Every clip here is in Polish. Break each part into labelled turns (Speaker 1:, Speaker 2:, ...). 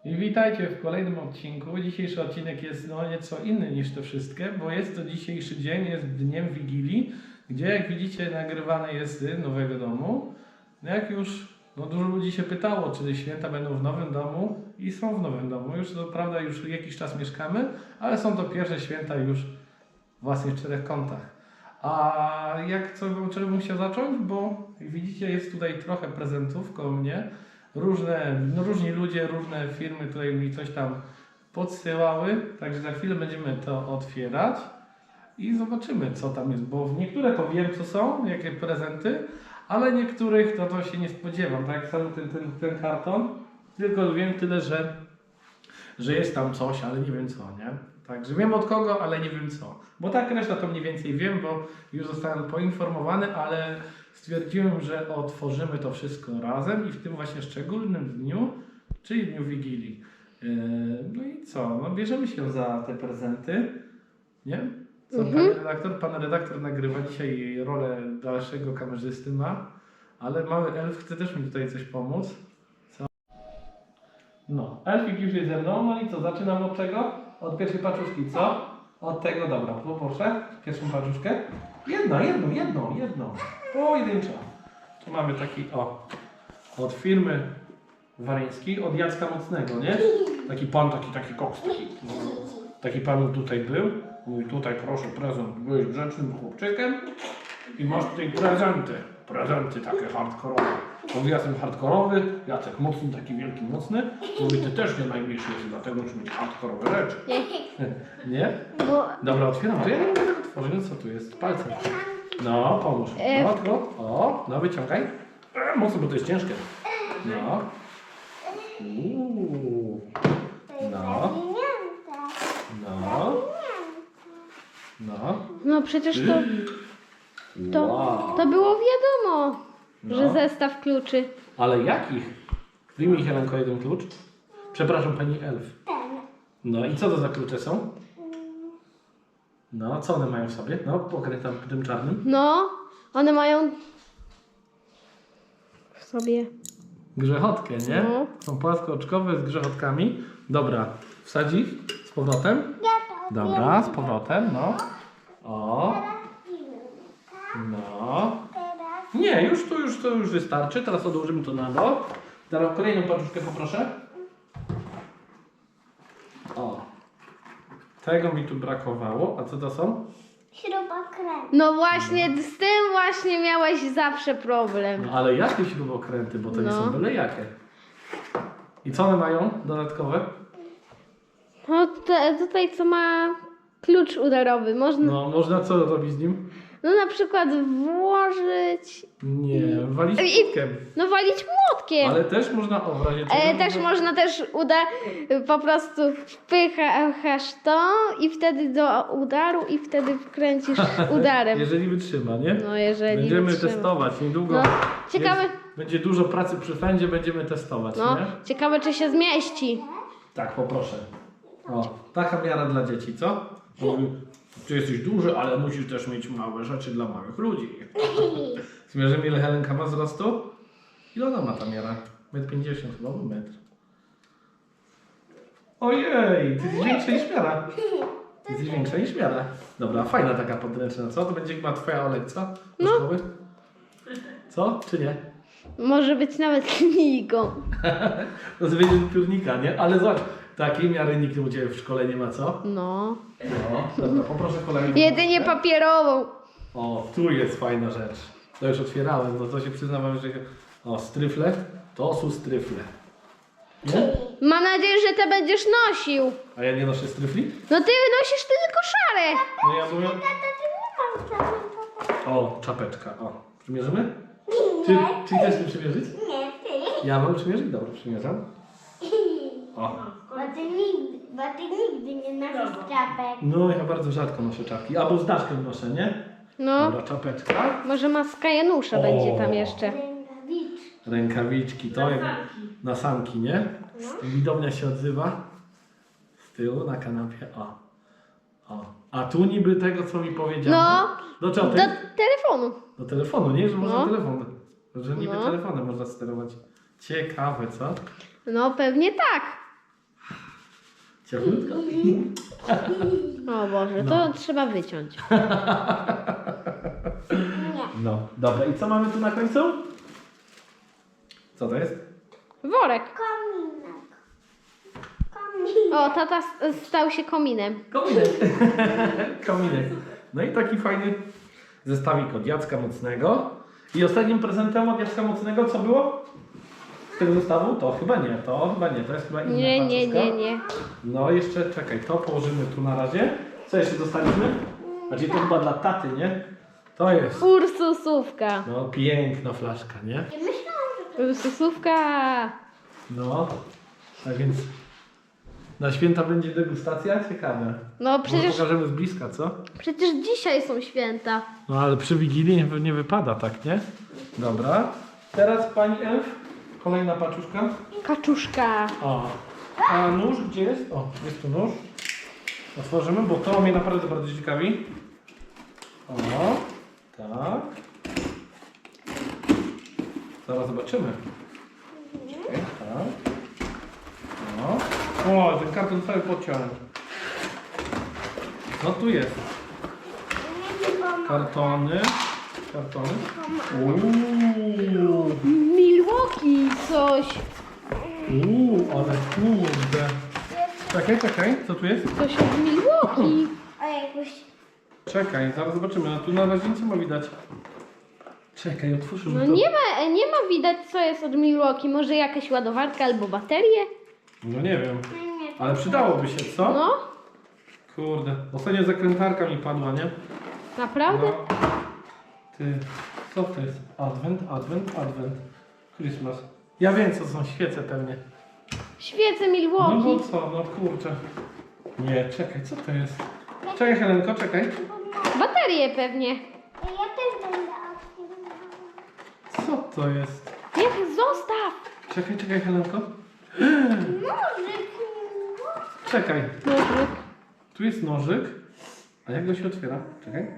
Speaker 1: I witajcie w kolejnym odcinku. Dzisiejszy odcinek jest nieco inny niż te wszystkie, bo jest to dzisiejszy dzień, jest dniem Wigilii, gdzie jak widzicie nagrywane jest z nowego domu. Jak już dużo ludzi się pytało, czy święta będą w nowym domu i są w nowym domu. Już to prawda, już jakiś czas mieszkamy, ale są to pierwsze święta już w własnych 4 kątach. A czego bym chciał zacząć? Bo widzicie, jest tutaj trochę prezentów koło mnie. Różni ludzie, różne firmy tutaj mi coś tam podsyłały. Także za chwilę będziemy to otwierać i zobaczymy, co tam jest. Bo w niektóre to wiem, co są, jakie prezenty, ale niektórych to się nie spodziewam. Tak jak cały ten karton. Tylko wiem tyle, że jest tam coś, ale nie wiem co, nie? Także wiem od kogo, ale nie wiem co. Bo tak reszta to mniej więcej wiem, bo już zostałem poinformowany, ale stwierdziłem, że otworzymy to wszystko razem i w tym właśnie szczególnym dniu, czyli dniu Wigilii. No i co? No bierzemy się za te prezenty, nie? Co pan redaktor nagrywa dzisiaj rolę dalszego kamerzysty ma, ale mały elf chce też mi tutaj coś pomóc. Co? No, elfik już jest ze mną, no i co? Zaczynam od czego? Od pierwszej paczuszki, co? Od tego, dobra, poproszę pierwszą paczuszkę. Jedną. Pojedynczo. Tu mamy taki, od firmy Waryńskiej, od Jacka Mocnego, nie? Taki pan, taki koks, taki pan tutaj był. Mówi, tutaj proszę prezent, byłeś grzecznym chłopczykiem i masz tutaj prezenty takie hardkorowe. Mówi, ja jestem hardkorowy, Jacek mocny, taki wielki, mocny. Mówi, ty też nie najmniejszy jesteś, dlatego musisz mieć hardkorowe rzeczy. Nie? Dobra, otwieram. To ja nie mogę tego otworzyć. No co tu jest? Palcem. No, pomóż. No, wyciągaj. Mocno, bo to jest ciężkie. No.
Speaker 2: No przecież to było wiadomo, że zestaw kluczy.
Speaker 1: Ale jakich? Wyjmij Helenko jeden klucz. Przepraszam, pani elf. No i co to za klucze są? No, co one mają w sobie? No, pokrętam tym czarnym.
Speaker 2: No, one mają w sobie
Speaker 1: Grzechotkę, nie?
Speaker 2: No.
Speaker 1: Są płaskooczkowe z grzechotkami. Dobra, wsadź ich z powrotem. Dobra, z powrotem, no. No. Nie, to już wystarczy. Teraz odłożymy to na dół. Teraz kolejną paczuszkę poproszę. Tego mi tu brakowało. A co to są?
Speaker 3: Śrubokręt.
Speaker 2: No właśnie, z tym właśnie miałeś zawsze problem.
Speaker 1: No ale jakie śrubokręty, bo to nie są byle jakie. I co one mają dodatkowe?
Speaker 2: No tutaj co ma klucz udarowy.
Speaker 1: Można co robić z nim?
Speaker 2: No na przykład włożyć,
Speaker 1: Nie, walić młotkiem.
Speaker 2: no walić młotkiem.
Speaker 1: Ale też można w razie czego
Speaker 2: Też można po prostu wpychasz to i wtedy do udaru i wtedy wkręcisz udarem.
Speaker 1: Jeżeli wytrzyma, nie?
Speaker 2: No jeżeli
Speaker 1: Będziemy
Speaker 2: wytrzyma.
Speaker 1: testować niedługo.
Speaker 2: No, ciekawe.
Speaker 1: Będzie dużo pracy przy fędzie, będziemy testować,
Speaker 2: No,
Speaker 1: nie?
Speaker 2: ciekawe czy się zmieści.
Speaker 1: Tak, poproszę. Taka miara dla dzieci, co? Ty jesteś duży, ale musisz też mieć małe rzeczy dla małych ludzi. Zmierzymy, ile Helenka ma wzrostu? Ile ona ma ta miara? 1,50 m chyba, bo metr. Ojej, ty jesteś większa niż miara. Ty jesteś większa niż miara. Dobra, fajna taka podręczna, co? To będzie chyba twoja Olek, co? Do szkoły? Co? Czy nie?
Speaker 2: Może być nawet knigą.
Speaker 1: To będzie do piórnika, nie? Ale zobacz, takiej miary nikt u Ciebie w szkole nie ma, co?
Speaker 2: No.
Speaker 1: Dobra, poproszę kolejną.
Speaker 2: Jedynie papierową.
Speaker 1: Tu jest fajna rzecz. To już otwierałem, no to się przyznawam, że... stryfle. To są stryfle. Nie?
Speaker 2: Mam nadzieję, że te będziesz nosił.
Speaker 1: A ja nie noszę stryfli?
Speaker 2: No ty nosisz tylko szare.
Speaker 1: No ja mówię... Czapeczka. Przymierzymy? Czy chcesz mi przymierzyć?
Speaker 3: Nie, ty.
Speaker 1: Ja mam przymierzyć? Dobra, przymierzam.
Speaker 3: Bo ty nigdy nie nosisz czapek.
Speaker 1: No ja bardzo rzadko noszę czapki. Albo z daszkiem noszę, nie?
Speaker 2: No.
Speaker 1: Dobra, czapeczka.
Speaker 2: Może maska Janusza będzie tam jeszcze.
Speaker 1: Rękawiczki, to jak na sanki, nie? Widownia się odzywa. Z tyłu na kanapie. A tu niby tego, co mi powiedziano.
Speaker 2: No.
Speaker 1: Do czego?
Speaker 2: Do telefonu.
Speaker 1: Do telefonu, nie? Że można
Speaker 2: No.
Speaker 1: telefon. Że niby telefonem można sterować. Ciekawe, co?
Speaker 2: No pewnie tak.
Speaker 1: Cieplutko?
Speaker 2: O Boże, to trzeba wyciąć.
Speaker 1: No, dobra. I co mamy tu na końcu? Co to jest?
Speaker 2: Worek.
Speaker 3: Kominek. Kominek.
Speaker 2: O, tata stał się kominem.
Speaker 1: Kominek. Kominek. No i taki fajny zestawik od Jacka Mocnego. I ostatnim prezentem od Jacka Mocnego co było? Z tego zestawu? To chyba nie, to jest chyba inna paczuszka. No jeszcze, czekaj, to położymy tu na razie. Co jeszcze dostaliśmy? Znaczy to chyba dla taty, nie? To jest,
Speaker 2: Ursusówka.
Speaker 1: no piękna flaszka, nie?
Speaker 3: Ja myślałam, że
Speaker 2: Ursusówka.
Speaker 1: No, tak więc na święta będzie degustacja? Ciekawe.
Speaker 2: No
Speaker 1: Może
Speaker 2: przecież,
Speaker 1: pokażemy z bliska, co?
Speaker 2: przecież dzisiaj są święta.
Speaker 1: No ale przy Wigilii nie wypada tak, nie? Dobra. Teraz pani Elf, kolejna paczuszka.
Speaker 2: Kaczuszka.
Speaker 1: O. A nóż gdzie jest? O, jest tu nóż. Otworzymy, bo to mnie naprawdę bardzo ciekawi. O, tak. Zaraz zobaczymy. Czekaj, tak. O, ten karton cały podciąłem. No tu jest.
Speaker 3: nie pomogę.
Speaker 1: Kartony. Uuu.
Speaker 2: Milwaukee coś.
Speaker 1: Ale kurde. Czekaj, co tu jest?
Speaker 2: Coś od Milwaukee.
Speaker 3: O jakoś.
Speaker 1: Czekaj, zaraz zobaczymy. No tu na razie nic nie ma widać. Czekaj, otwórzmy
Speaker 2: No
Speaker 1: to.
Speaker 2: nie ma widać co jest od Milwaukee. Może jakaś ładowarka albo baterie?
Speaker 1: No nie wiem. Ale przydałoby się, co?
Speaker 2: No,
Speaker 1: Kurde. Ostatnio zakrętarka mi padła, nie?
Speaker 2: naprawdę?
Speaker 1: No. Ty, co to jest? Advent. Christmas. Ja wiem, co są świece pewnie.
Speaker 2: Świece
Speaker 1: No
Speaker 2: Milwaukee.
Speaker 1: bo co? No kurczę. Nie, czekaj, co to jest? Czekaj, Helenko, czekaj.
Speaker 2: Baterie pewnie.
Speaker 3: Ja też będę otwierała.
Speaker 1: Co to jest?
Speaker 2: Niech zostaw.
Speaker 1: Czekaj, Helenko.
Speaker 3: Nożyk.
Speaker 1: Czekaj.
Speaker 2: Nożyk.
Speaker 1: Tu jest nożyk. A jak go się otwiera? Czekaj.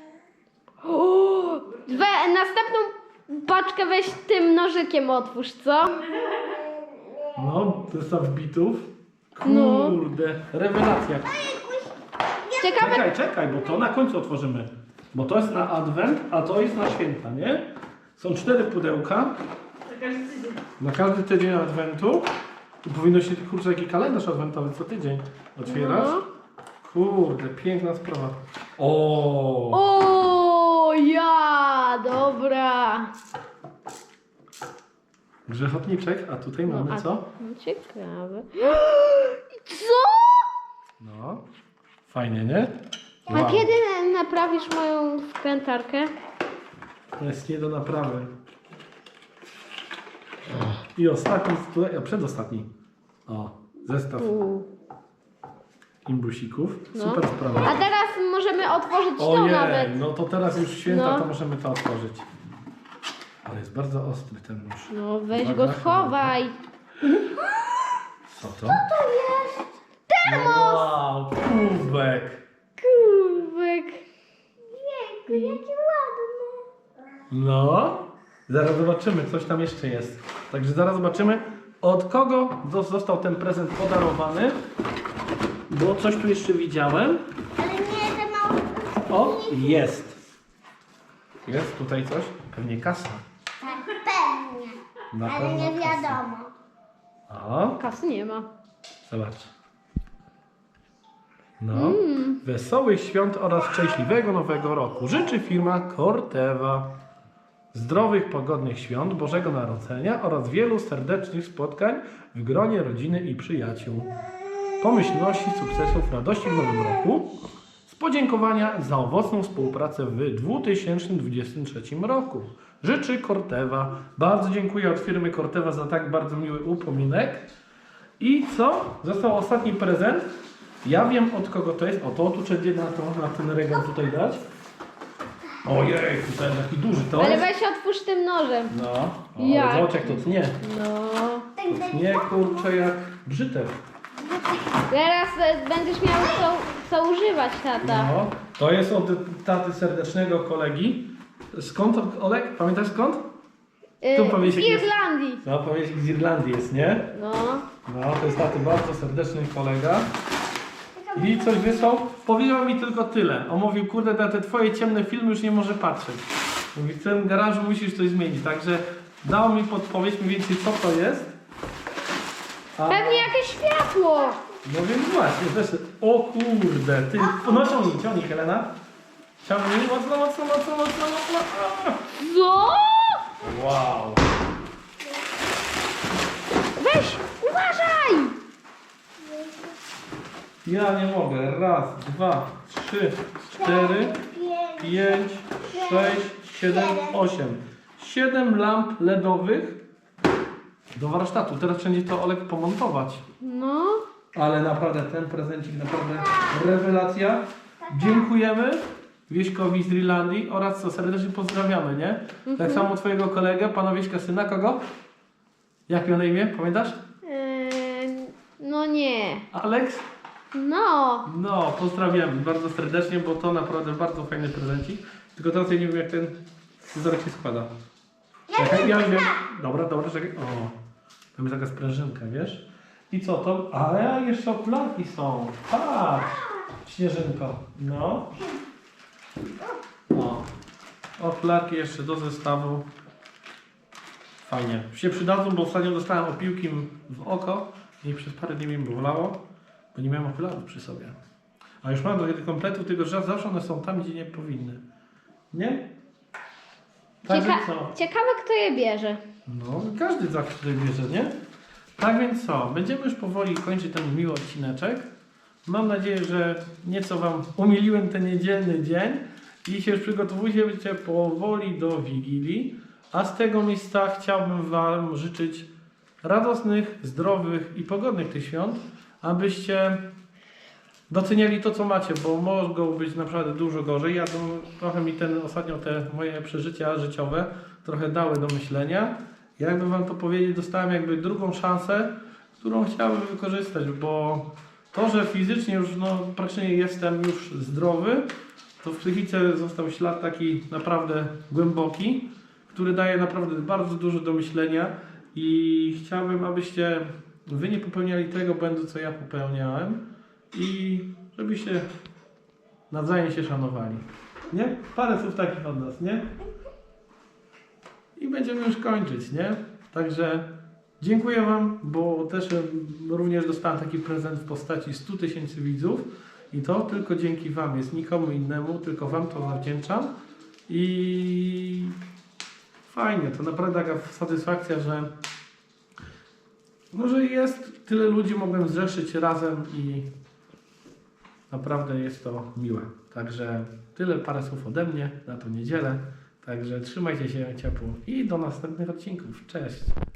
Speaker 2: Następną paczkę weź tym nożykiem otwórz, co?
Speaker 1: No, zestaw bitów.
Speaker 2: No.
Speaker 1: Kurde, rewelacja.
Speaker 2: Ciekawe,
Speaker 1: Czekaj, bo to na końcu otworzymy. Bo to jest na adwent, a to jest na święta, nie? Są 4 pudełka. Na każdy tydzień adwentu. I powinno się, kurczę, jaki kalendarz adwentowy co tydzień otwierać.
Speaker 2: No.
Speaker 1: Kurde, piękna sprawa. O!
Speaker 2: O, ja, dobra.
Speaker 1: Grzechotniczek, a tutaj mamy co?
Speaker 2: No, ciekawe. Co?
Speaker 1: No, fajnie, nie?
Speaker 2: A kiedy naprawisz moją wkrętarkę?
Speaker 1: To jest nie do naprawy. I ostatni, tutaj, a przedostatni. O, zestaw imbusików.
Speaker 2: No.
Speaker 1: Super sprawa.
Speaker 2: A teraz możemy otworzyć to
Speaker 1: Ojej,
Speaker 2: nawet.
Speaker 1: no to teraz już święta,
Speaker 2: No.
Speaker 1: to możemy to otworzyć. Ale jest bardzo ostry ten nóż.
Speaker 2: No weź
Speaker 1: Uwaga,
Speaker 2: go schowaj.
Speaker 1: Co to? Termos! Wow, kubek.
Speaker 2: Kubek.
Speaker 3: Jejku, jaki ładny.
Speaker 1: No, zaraz zobaczymy, coś tam jeszcze jest. Także zaraz zobaczymy, od kogo został ten prezent podarowany. Bo coś tu jeszcze widziałem.
Speaker 3: Ale nie, te małe.
Speaker 1: O, jest. Jest tutaj coś? Pewnie kasa.
Speaker 3: Tak, pewnie.
Speaker 1: Na
Speaker 3: Ale
Speaker 1: pewno
Speaker 3: nie
Speaker 1: kasa.
Speaker 3: wiadomo.
Speaker 1: O,
Speaker 2: Kasy nie ma.
Speaker 1: zobacz. No, wesołych świąt oraz szczęśliwego nowego roku życzy firma Corteva. Zdrowych, pogodnych świąt, Bożego Narodzenia oraz wielu serdecznych spotkań w gronie rodziny i przyjaciół. Pomyślności, sukcesów, radości w nowym roku. Z podziękowania za owocną współpracę w 2023 roku. Życzy Corteva. Bardzo dziękuję od firmy Corteva za tak bardzo miły upominek. I co? Został ostatni prezent. Ja wiem od kogo to jest. O, to tu trzeba na ten regał tutaj dać. Ojej, tutaj taki duży to
Speaker 2: Ale
Speaker 1: jest.
Speaker 2: weź otwórz tym nożem.
Speaker 1: No, o,
Speaker 2: Jak?
Speaker 1: zobacz jak to tnie.
Speaker 2: No.
Speaker 1: To tnie, kurczę, jak brzytew.
Speaker 2: Teraz będziesz miał co używać, tata.
Speaker 1: No, to jest od taty serdecznego kolegi. Skąd, Olek? Pamiętasz skąd? Tu
Speaker 2: Z
Speaker 1: powiesiek jest.
Speaker 2: Irlandii.
Speaker 1: No, powiesiek z Irlandii jest, nie?
Speaker 2: No.
Speaker 1: No, to jest taty bardzo serdeczny kolega. I coś wysłał. Powiedział mi tylko tyle. On mówił, kurde, na te twoje ciemne filmy już nie może patrzeć. Mówi, w tym garażu musisz coś zmienić. Także dał mi podpowiedź mniej więcej co to jest. A...
Speaker 2: Pewnie jakieś światło.
Speaker 1: No więc właśnie, też... O kurde, ty... No ciągnij, Helena. Ciągnij, mocno. A!
Speaker 2: Co?
Speaker 1: Wow.
Speaker 2: Weź, uważaj!
Speaker 1: Ja nie mogę. Raz, 2, 3, 4, 5, 6, 7, 8. 7 lamp LEDowych do warsztatu. Teraz wszędzie to Olek pomontować.
Speaker 2: No.
Speaker 1: Ale naprawdę ten prezencik naprawdę rewelacja. Dziękujemy Wieśkowi z Irlandii oraz co serdecznie pozdrawiamy, nie? Tak samo twojego kolegę, pana Wieśka syna, kogo? Jak miał na imię? Pamiętasz?
Speaker 2: No nie.
Speaker 1: Alex?
Speaker 2: No.
Speaker 1: No, pozdrawiamy bardzo serdecznie, bo to naprawdę bardzo fajny prezencik. Tylko teraz ja nie wiem jak ten scyzoryk się składa. Czekaj, ja wiem. Dobra, czekaj. O, tam jest taka sprężynka, wiesz? I co to? Ale jeszcze okularki są. Patrz! Śnieżynko. No. O. Okularki jeszcze do zestawu. Fajnie. Się przydadzą, bo ostatnio dostałem opiłki w oko i przez parę dni mi bolało, bo nie miałem okularów przy sobie. A już mam do tego kompletu, tylko że zawsze one są tam, gdzie nie powinny. Nie? Także co?
Speaker 2: Ciekawe, kto je bierze.
Speaker 1: No, każdy zawsze tutaj bierze, nie? Tak więc co? Będziemy już powoli kończyć ten miły odcineczek. Mam nadzieję, że nieco Wam umiliłem ten niedzielny dzień i się już przygotowujecie powoli do Wigilii. A z tego miejsca chciałbym Wam życzyć radosnych, zdrowych i pogodnych tych świąt, abyście doceniali to, co macie, bo mogą być naprawdę dużo gorzej. Ja trochę mi ostatnio te moje przeżycia życiowe trochę dały do myślenia. Jakby Wam to powiedzieć, dostałem jakby drugą szansę, którą chciałbym wykorzystać, bo to, że fizycznie już praktycznie jestem już zdrowy, to w psychice został ślad taki naprawdę głęboki, który daje naprawdę bardzo dużo do myślenia i chciałbym, abyście Wy nie popełniali tego błędu, co ja popełniałem i żebyście nawzajem się szanowali. Nie? Parę słów takich od nas, nie? I będziemy już kończyć, nie? Także dziękuję Wam, bo też również dostałem taki prezent w postaci 100 000 widzów i to tylko dzięki Wam jest, nikomu innemu, tylko Wam to zawdzięczam i fajnie, to naprawdę taka satysfakcja, że może jest tyle ludzi, mogłem zrzeszyć razem i naprawdę jest to miłe. Także tyle, parę słów ode mnie na tą niedzielę. Także trzymajcie się ciepło i do następnych odcinków. Cześć!